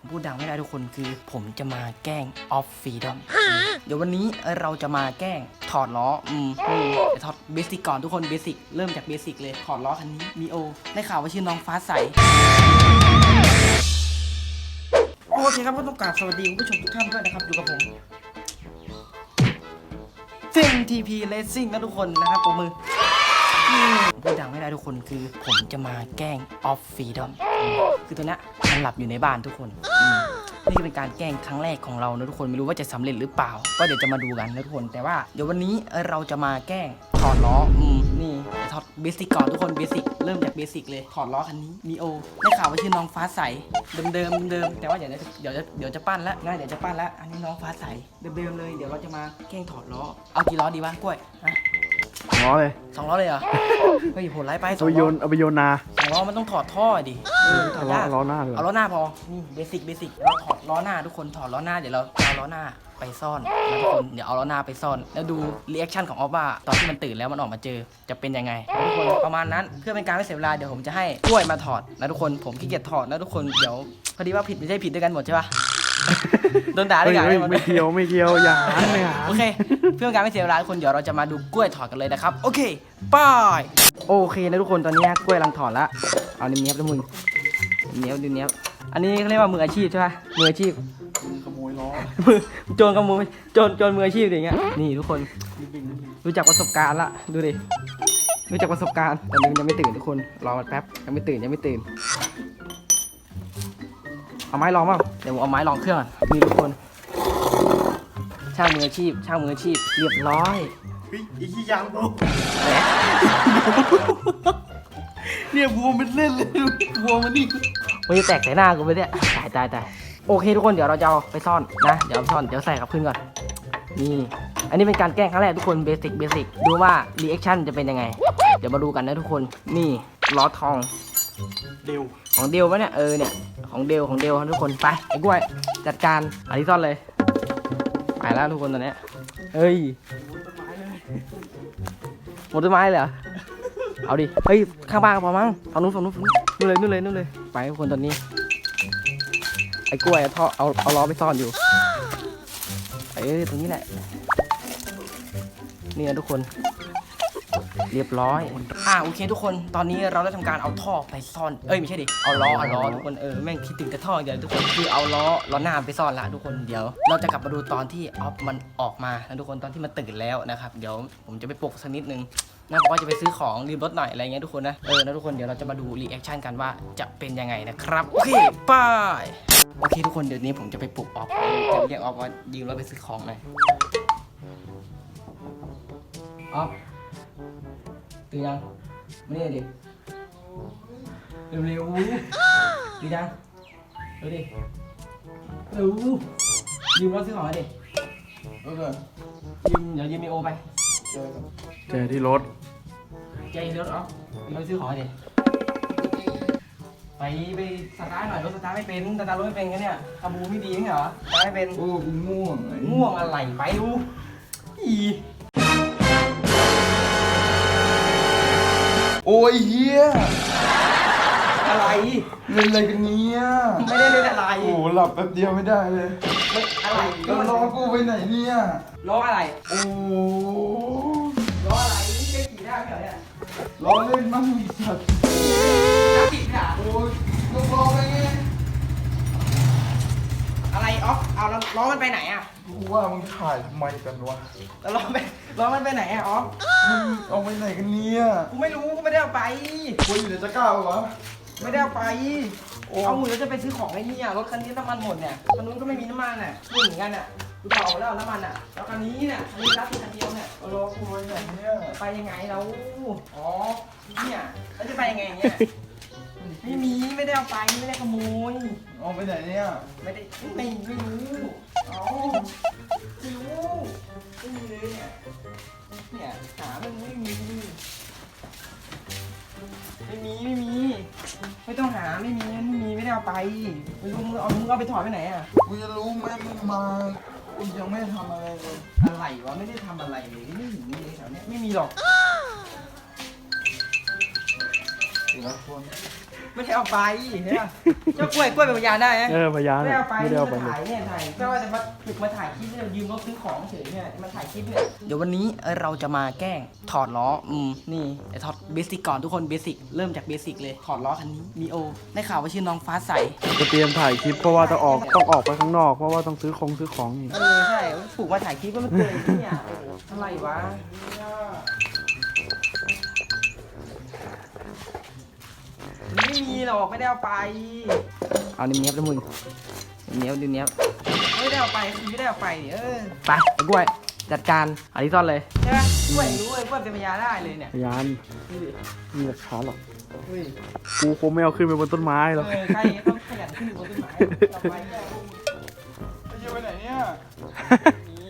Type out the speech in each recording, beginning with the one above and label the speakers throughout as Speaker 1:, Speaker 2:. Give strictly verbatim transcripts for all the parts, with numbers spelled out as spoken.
Speaker 1: พูดดังไม่ได้ทุกคนคือผมจะมาแกล้งออฟฟรีดอมเดี๋ยววันนี้เราจะมาแกล้งถอดล้ออืมจะถอดเบสิกก่อนทุกคนเบสิกเริ่มจากเบสิกเลยถอดล้อคันนี้มีโอได้ข่าวว่าชื่อน้องฟ้าใสโอเคครับก็ต้องกราบสวัสดีคุณผู้ชมทุกท่านด้วยนะครับอยู่กับผมเซ็ง ที พี Racing นะทุกคนนะครับปรบมือพูดดังไม่ได้ทุกคนคือผมจะมาแกล้งออฟฟรีดอมคือตัวเนี้ยมันหลับอยู่ในบ้านทุกคนนี่เป็นการแกล้งครั้งแรกของเรานะทุกคนไม่รู้ว่าจะสำเร็จหรือเปล่าก็เดี๋ยวจะมาดูกันนะทุกคนแต่ว่าเดี๋ยววันนี้เราจะมาแกล้งถอดล้ออืมนี่ถอดเบสิกก่อนทุกคนเบสิกเริ่มจากเบสิกเลยถอดล้อคันนี้มีโอได้ข่าวว่าชื่อน้องฟ้าใสเดิมเดิมเดิมแต่ว่าเดี๋ยวเดี๋ยวจะเดี๋ยวจะปั้นแล้วง่ายเดี๋ยวจะปั้นแล้วอันนี้น้องฟ้าใสเดิมเดิมเลยเดี๋ยวเราจะมาแกล้งถอดล้อเอากี่ล้อดีวะกล้วยฮะ
Speaker 2: ล้อเลย
Speaker 1: สองล้อเลยเหรอเฮ้ยโหดไล่ไปสอ
Speaker 2: เอา
Speaker 1: ง
Speaker 2: โย
Speaker 1: ล้อน
Speaker 2: เอาไปโยนนา
Speaker 1: สองล้อมันต้องถอดท่อดิเออถอดยาก
Speaker 2: เอาล้อหน้าเลย
Speaker 1: เอาล้อหน้าพอนี่เบสิกเบสิกเราถอดล้อหน้าทุกคนถอดล้อหน้าเดี๋ยวเราเอาล้อหน้าไปซ่อนนะทุกคนเดี๋ยวเอาล้อหน้าไปซ่อนแล้วดูรีแอคชั่นของออฟว่าตอนที่มันตื่นแล้วมันออกมาเจอจะเป็นยังไงทุกคนประมาณนั้นเพื่อเป็นการไม่เสียเวลาเดี๋ยวผมจะให้กล้วยมาถอดนะทุกคนผมขี้เกียจถอดนะทุกคนเดี๋ยวพอดีว่าผิดไม่ใช่ผิดด้วยกันหมดใช่ปะโดนด่าด้วยกัน
Speaker 2: ไม่เกี่ยวไม่เกี่ยวอย่าหันไม่หัน
Speaker 1: โอเคเพื่อเป็นการไม่เสียเวลาทุกคนเดี๋ยวเราจะมาดูกล้วยถอดกันเลยนะครับโอเคไปโอเคนะทุกคนตอนนี้กล้วยกำลังถอดละเอาเนี้ยบๆแล้วมึงเนี้ยบดูเนี้ยบอันนี้เขาเรียกว่ามืออาชีพใช่ปะมืออาชีพ
Speaker 2: ขโมยล้อ
Speaker 1: มือโจรขโมยโจรโจรมืออาชีพอย่างเงี้ยนี่ทุกคนรู้จักประสบการณ์ละดูดิรู้จักประสบการณ์ตอนนี้มันยังไม่ตื่นทุกคนรอมันแป๊บยังไม่ตื่นยังไม่ตื่นเอาไม้ลองเปล่าเดี๋ยวผมเอาไม้ลองเครื่องก่อนนี่ทุกคนช่างมืออาชีพช่างมืออาชีพเรียบร้อย
Speaker 2: เฮ้ยไอ้ขี้ยางบูเนี่ยบัวมันเล่นเลยบัวมันนี่
Speaker 1: มันจะแตกใส่หน้ากูไปเนี่ยตายตายตายโอเคทุกคนเดี๋ยวเราจะเอาไปซ่อนนะเดี๋ยวเอาซ่อนเดี๋ยวใส่กับพื้นก่อนนี่อันนี้เป็นการแกล้งครั้งแรกทุกคนเบสิกเบสิกดูว่ารีแอคชั่นจะเป็นยังไงเดี๋ยวมาดูกันนะทุกคนนี่ล้อทอง
Speaker 2: เร็ว
Speaker 1: ของเดลปะเนี่ยเออเนี่ยของเดลของเดลทุกคนไปไอ้กล้วยจัดการอันนี้ซ่อนเลยไปแล้วทุกคนตอนนี้เฮ้ยหมดต้นไม้เลยเหรอเอาดิเฮ้ยข้างบ้านพอมั้งฝั่งนู้นฝั่งนู้นฝั่งนู้นนู่นเลยนู่นเลยนู่นเลยไปทุกคนตอนนี้ไอ้กล้วยท่อเอาเอาล้อไปซ่อนอยู่เอ้ยตรงนี้แหละนี่นะทุกคนเรียบร้อยอ่าโอเคทุกคนตอนนี้เราได้ทำการเอาท่อไปซ่อนเอ้ยไม่ใช่ดิเอาล้อเอาล้อทุกคนเออแม่งคิดถึงแต่ท่อเดี๋ยวทุกคนคือเอาล้อล้อหน้าไปซ่อนละทุกคนเดี๋ยวเราจะกลับมาดูตอนที่ออฟมันออกมานะทุกคนตอนที่มันตื่นแล้วนะครับเดี๋ยวผมจะไปปลุกสักนิดนึงนะบอกว่าจะไปซื้อของรีบรถหน่อยอะไรเงี้ยทุกคนนะเออนะทุกคนเดี๋ยวเราจะมาดูรีแอคชั่นกันว่าจะเป็นยังไงนะครับโอเคไปโอเคทุกคนเดี๋ยวนี้ผมจะไปปลุกออฟจะเรียกออฟว่ายืมรถไปซื้อของหน่อยออฟตื่นยังมานี่ดิเร็วเร็วตื่นยังเร็วดิเร็วยืมรถซื้อของดิเออยืมเดี๋ยวยืมมีโอไปเจอ
Speaker 2: เจอที่รถ
Speaker 1: เจอรถอ๋อยืมรถซื้อของดิไปไปสตาร์ทหน่อยรถสตาร์ทไม่เป็นสตาร์ทรถไม่เป็นกันเนี่ยขบูไม่ดีเหรอสตาร์ทไม่เป็น
Speaker 2: โอ้ง่วง
Speaker 1: ง่วงอะไรไปดูอี
Speaker 2: โอ้ยเฮีย
Speaker 1: อะไร
Speaker 2: เล่นอะไรกันเนี่ย
Speaker 1: ไม่ได้เล่นอะไร
Speaker 2: โอ้หลับแป๊บเดียวไม่ได้เลย
Speaker 1: อะไร
Speaker 2: แล้วล้อกูไปไหนเนี่ย
Speaker 1: ล้ออะไร
Speaker 2: โอ้
Speaker 1: ล้ออะไรนี่แกขี่ได้ไหมเนี่ย
Speaker 2: ล้อเล่นมั่งอีสัตว์
Speaker 1: น้ำผิดค่ะ
Speaker 2: โอ้ยก็บอกไปไง
Speaker 1: อะไรออฟเอาแล้วล้อมันไปไหนอ่ะ
Speaker 2: กูว่ามึงถ่ายทำไมกันวะ
Speaker 1: แล้วล้อไปล้อมันไปไหนอ่ะออฟ
Speaker 2: มึงเอาไปไหนกันเนี่ย
Speaker 1: กูไม่รู้กูไม่ได้เอาไป
Speaker 2: กูอยู่ในตะกร้าปะวะ
Speaker 1: ไม่ได้เอาไปเอาหมือแล้วจะไปซื้อของไอ้นี่อ่ะรถคันนี้น้ำมันหมดเนี่ยคันนู้นก็ไม่มีน้ำมันอ่ะพูดเหมือนกันอ่ะกูต่อแล้วน้ำมันอ่ะแล้วคันนี้เนี่ยคันนี้รับคันเดียวเนี่ย
Speaker 2: เอาล้อกูไปไหนเนี่ย
Speaker 1: ไปยังไงเราอ๋อเนี่ยแล้วจะไปยังไงเนี่ยไม่มีไม่ได้เอาไปไม่ได้ขโมย
Speaker 2: เอาไปไหนเนี่ย
Speaker 1: ไม่ได้ไม่ไม่รู้เอาไม่รู้ไม่มีเลยเนี่ยเนี่ยหามันไม่มีไม่มีไม่มีไม่ต้องหาไม่มีไม่มีไม่ได้เอาไปไม่รู้มึงเอามึงเอาไปถอดไปไหนอ่ะ
Speaker 2: กูจะรู้ไหมมึงมากูยังไม่ได้ทำอะไรเลย
Speaker 1: อะไรวะไม่ได้ทำอะไรเลยไม่มีเลยแถวเนี้ยไม่มีหรอก
Speaker 2: ทีละคน
Speaker 1: ไม่ได้เอาไปใช่ไหมเจ้ากล้วยกล้วยเป็นพยานได้ไหม
Speaker 3: เออพยาน
Speaker 1: ไม่ได้เอาไป
Speaker 3: ไม่ได้เอาไป
Speaker 1: มาถ่ายเนี่ยถ่ายก็ว่าจะมาฝึกมาถ่ายคลิปเนี่ยยืมรถซื้อของเฉยเนี่ยมาถ่ายคลิปเนี่ยเดี๋ยววันนี้เราจะมาแกล้งถอดล้ออืมนี่ไอ้ถอดเบสิกก่อนทุกคนเบสิกเริ่มจากเบสิกเลยถอดล้อคันนี้นีโอได้ข่าวว่าชื่อน้องฟ้าใส
Speaker 3: จะเตรียมถ่ายคลิปเพราะว่าต้องออกต้องออกไปข้างนอกเพราะว่าต้องซื้อของซื้อของอีก
Speaker 1: เออใช่ผูกมาถ่ายคลิปก็มันเกินเนี่ยโอ้โหอะไรวะไม่มีหรอกไม่ได้เอาไปเอานิ้วเนี้ยบแล้วมึงนิ้วเนี้ยบนิ้วเนี้ยบไม่ได้เอาไปคือไม่ได้เอาไปเออไปไอ้กล้วยจัดการอาริซอนเลยใช่ไหมกล้วยรู้เลยกล้วยเป็นพยานได้เลยเนี่ย
Speaker 3: พยาน
Speaker 1: ดูดิ
Speaker 3: มีหลักฐานหรอก
Speaker 1: เฮ้ย
Speaker 3: กูคงไม่เอาขึ้นไปบนต้นไม้หรอก
Speaker 1: เออใครต้องขยันขึ้นอยู่บนต้นไม้เอาไปเนี่ย
Speaker 2: ไปเที่ยวไปไหนเนี่ย
Speaker 1: มี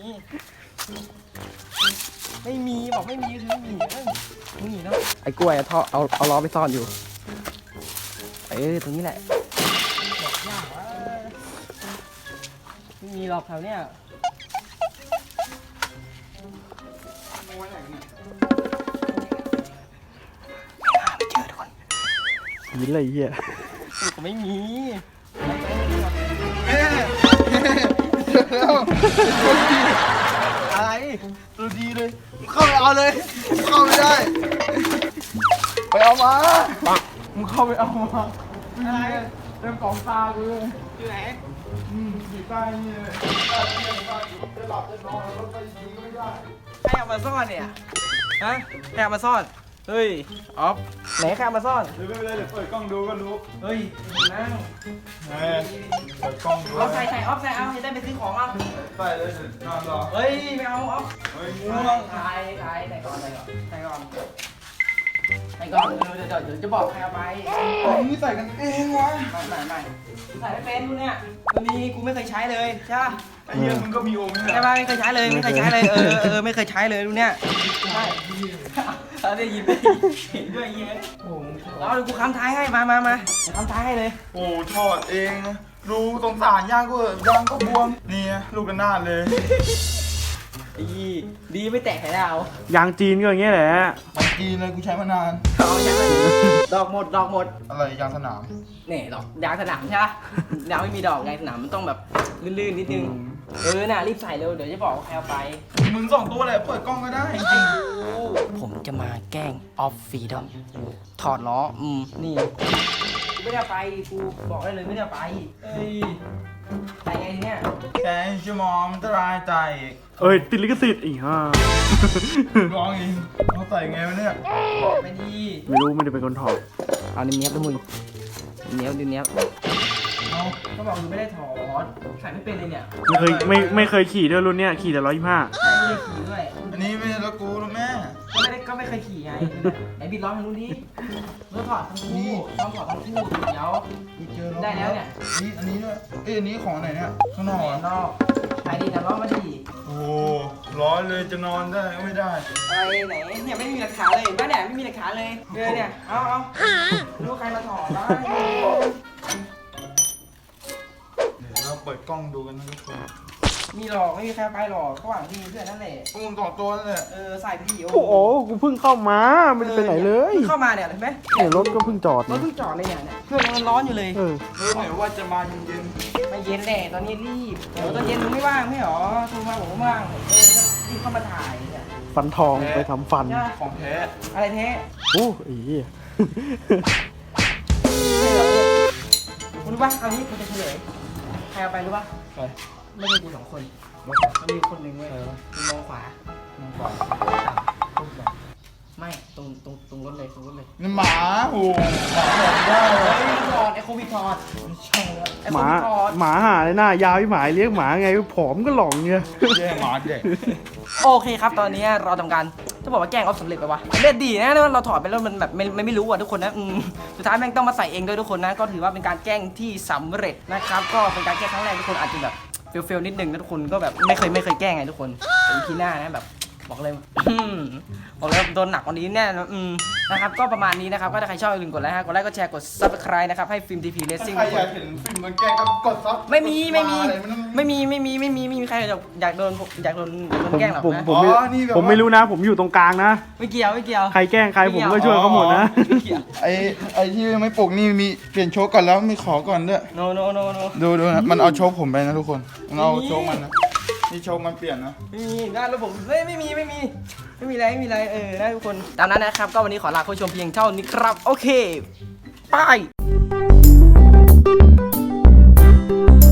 Speaker 1: ไม่มีบอกไม่มีคือไม่มีเอ้ยไม่มีเนาะไอ้กล้วยอะท่อเอาเอาล้อไปซ่อนอยู่เออตรงนี้แหละบอกยากวะไม่มีหรอกแถวเนี้ย
Speaker 2: โอ้ยไหนเนี่ย
Speaker 1: หาไม่เจอทุกคน
Speaker 3: หินอะไรเหี้ย
Speaker 1: ก็ไม่มี
Speaker 2: เอ๊ะแล้ว
Speaker 1: อะไร
Speaker 2: ตัวดีเลยมึงเข้าไปเอาเลยมึงเข้าไม่ได้ ไปเอามามึงเข้าไปเอามา
Speaker 1: อะไร
Speaker 2: เต็มกล่องตากูเลย
Speaker 1: อยู่ไหน
Speaker 2: อืมอยู่ใต้นี่เลยจะหลับจะนอนแล้วไปยิงก็ไม่ได้
Speaker 1: ใครเอามาซ่อนเนี่ยฮะใครเอามาซ่อนเฮ้ยออฟไหนใครเอามาซ่อน
Speaker 2: เดี๋ยวไม่เป็นไรเดี๋ยวเปิดกล้องดูก็รู้
Speaker 1: เฮ้ยนั่ง
Speaker 2: แหมเปิดกล้องดู
Speaker 1: ออฟใส่ใส่ออฟใส่เอาจะได้ไปซื้อของเอา
Speaker 2: ใส่เลยเดี๋ยวนอนรอ
Speaker 1: เฮ้ยไม่เอาออฟ
Speaker 2: เฮ้ย
Speaker 1: ง่
Speaker 2: ง่
Speaker 1: ว
Speaker 2: ว
Speaker 1: ง
Speaker 2: ง
Speaker 1: ถ่ายถ่ายใส่ก่อนใส่ก่อนใส่ก่อนใส่ก่อนเดี๋ยวเดี๋ยวเดี๋ยวจะบอกใครเอาไป
Speaker 2: มึงใส่กันเองวะ
Speaker 1: ไม่ไม่ไม่ใส่ไม่เป็นดูเนี่ยตัวนี้กูไม่เคยใช้เลยใช่ปะ
Speaker 2: ไอ้เหี้ยมึงก็มีองค์นี่แห
Speaker 1: ใช่
Speaker 2: ละ
Speaker 1: ปะไม่เคยใช้เลยไม่เคยใช้เลยเออเออไม่เคยใช้เลยดูเนี่ยใช่เราได้ยินได้ยินด้วยเงี้ย
Speaker 2: โอ้โห
Speaker 1: เอาเดี๋ยวกูค้ำท้ายให้มามามาค้ำท้ายให้เลย
Speaker 2: โอ้โหถอดเองนะดูสงสารย่างก็เถอะย่างก็บวมนี่ไงลูกกันนาดเลย
Speaker 1: ดีดีไม่แตกไข่ดาวย
Speaker 3: างจีนก็อย่างเงี้ยแหละ
Speaker 2: มันจีนเลยกูใช้มานาน
Speaker 1: เอาใช่ไหมดอกหมดดอกหมด
Speaker 2: อะไรยางสนาม
Speaker 1: เนี่ยดอกยางสนามใช่ปะยางไม่มีดอกยางสนามมันต้องแบบลื่นๆนิดนึงเออน่ะรีบใส่เร็วเดี๋ยวจะบอกว่าใครเอาไป
Speaker 2: มึงสองตัวแหละเปิดกล้องก็ได้จริง
Speaker 1: ผมจะมาแกล้งออฟฟรีดอมถอดล้ออืมนี่กูไม่ได้เอาไปกูบอกได้เลยไม่ได้เอาไปเอ้ยไปไงเนี่ย
Speaker 2: ๆแต่ชั่วโมงมันจะรายใจอีก
Speaker 3: เอ้ยติดลิขสิทธิ์อีกฮ่า
Speaker 2: ร้องเองเขาใส่ไงวะเนี่ย
Speaker 1: ไปดี
Speaker 3: ไม่รู้ไม่ได้เป็นคนถอด
Speaker 1: เอานิ้วเนี้ยบแล้วมึงนิ้วเนี้ยบนิ้วเนี้ยบ
Speaker 2: เอา
Speaker 1: ก็บอกมึงไม่ได้ถอดใส่ไม่เป็นเลยเนี่ย
Speaker 3: ไม่เคยไม่ไม่เคยขี่ด้วยรุ่นเนี้ยขี่แต่ร้อยยี่ห้า
Speaker 1: ใส่ไม่ได้ขี่ด้วย
Speaker 2: อันนี้ไม่ใช่รถกูนะแม่
Speaker 1: ก็ไม่ได้ก็ไม่เคยขี่ไงไหนบิดล้อทางนู้นดิเมื่อถอดทั้งคู่ต้องถอดทั้งคู่เดี๋ยว
Speaker 2: กูเจอรถ
Speaker 1: ได้แล้วเนี่ย
Speaker 2: นี่อันนี้ด้วยเอ้ยอันนี้ของไหนเนี่ยข้างนอก
Speaker 1: แห
Speaker 2: เหร
Speaker 1: น
Speaker 2: อ
Speaker 1: นอกไปดีแต่ล้อมาดี
Speaker 2: โอ้โหร้อนเลยจะนอนได้ก็ไม่ได้
Speaker 1: อะไรไหนเนี่ยไม่มีหลักฐานเลยเห็นปะเนี่ยไม่มีหลักฐานเลยเออเนี่ยเอาเอารู้ใครมาถอดบ้าง
Speaker 2: เดี๋ยวเราเปิดกล้องดูกันนะทุกคน
Speaker 1: มีหรอกไม่มีใครไปหรอกเขาหวังดีเพื่อนนั่นแหละ
Speaker 2: พวกมึงสองตัวนั่นแหละ
Speaker 1: เออใส่ไปดิ
Speaker 3: โอ้โหกูเพิ่งเข้ามาไม่ได้ไปไหนเลย
Speaker 1: เข้ามาเนี่ยเห็นไหม
Speaker 3: เนี่ยรถก็เพิ่งจอด
Speaker 1: รถเพิ่งจอดเลยเนี่ยเนี่ยเครื่องยังร้อนอยู่เลย
Speaker 3: เออ
Speaker 2: รู้ไหมว่าจะมาเย็น
Speaker 1: ไม่เย็นแหละตอนนี้รีบเดี๋ยวตอนเย็นมึงไม่ว่างไม่หรอโทรมาผมก็ว่างเออก็รีบเข้ามาถ่ายเนี่ย
Speaker 3: ฟันทองไปทำฟัน
Speaker 1: ใช่
Speaker 2: ๆของแท้
Speaker 1: อะไรแท้
Speaker 3: โอ้ไอ้เหี้ย
Speaker 1: ไม่หรอกเนี่ยคุณรู้ป่ะเอานี้คุณจะเฉลยใครเอาไปรู้ป่ะ
Speaker 2: ไป
Speaker 1: ไม่ใช่กูสองคนมันมีคนหนึ่งเว้ยมึงมองขวามองขวาต่ำปุ๊บแบบไม่ตรงตรงตรงรถเลยตรงรถเลย
Speaker 2: นี่หมาโอ้โหหมาบอกได้เล
Speaker 1: เฮ้
Speaker 2: ย
Speaker 1: ยถอดไอโควิดถอด
Speaker 2: ไม่ใช่แล้ว
Speaker 1: ไอ
Speaker 3: ห
Speaker 1: โค
Speaker 3: มา
Speaker 1: วิดถอด
Speaker 3: หมาหาเลยหน้ายาวที่หมายเลี้ยงหมาไงผอมก็หลองเงี้ย
Speaker 2: แย่หมาเด็ก
Speaker 1: โอเคครับตอนนี้เราทำการจะบอกว่าแกล้งออฟสำเร็จไปวะสำเร็จดีนะแต่ว่าเราถอดไปแล้วมันแบบไม่ไม่ไม่รู้อ่ะทุกคนนะอืมสุดท้ายแม่งต้องมาใส่เองด้วยทุกคนนะก็ถือว่าเป็นการแกล้งที่สำเร็จนะครับก็เป็นการแกล้งครั้งแรกทุกคนอาจจะแบบเฟลเฟลนิดนึงนะทุกคนก็แบบไม่เคยไม่เคยแกล้งไงทุกคนแต่ อี พี หน้านะแบบบอกเลย บอกเลยโดนหนักกว่านี้แน่นะอืมนะครับก็ประมาณนี้นะครับก็ถ้าใครชอบอย่าลืมกดไลค์ฮะกดไลค์กดแชร์กด ซับสไครบ์ นะครับให้ฟิล์ม ที พี Racing
Speaker 2: ใครอยากเห็นฟิล์มโดนแกล้งก็กดซับ
Speaker 1: ไม่มีไม่มี
Speaker 2: อะไรนต้อง
Speaker 1: ไม่มีไม่มีไม่มีไม่มีใครอยากอยากโดนอยากโดนอยากโดน
Speaker 3: ผม
Speaker 1: แกล้งหรอก
Speaker 3: ผม
Speaker 1: นะ
Speaker 3: ผมไม่
Speaker 2: อ๋อนี่แบบว่า
Speaker 3: ผมไม่รู้นะ ผมอยู่ตรงกลางนะ
Speaker 1: ไม่เกี่ยวไม่เกี่ยว
Speaker 3: ใครแกล้งใครผมก็ช่วยเขาหมดนะ
Speaker 1: ไม่เกี่ยว
Speaker 2: ไอ้ไอ้ที่ไม่ปลุกนี่มีเปลี่ยนโชคก่อนแล้วมีขอก่อนด้วย
Speaker 1: no no no no
Speaker 2: ดูดูนะมันเอาโชคผมไปนะทุกคนมันเอา
Speaker 1: ไม่มี
Speaker 2: โชคมันนะนี่โชคมันเปลี่ยนนะ
Speaker 1: ไม่มีงานแล้วผมไม่ไม่มีไม่มีไม่มีอะไรไม่มีอะไรเออนะทุกคนตามนั้นนะครับก็วันนี้ขอลาผู้ชมเพียงเท่านี้ครับโอเคบาย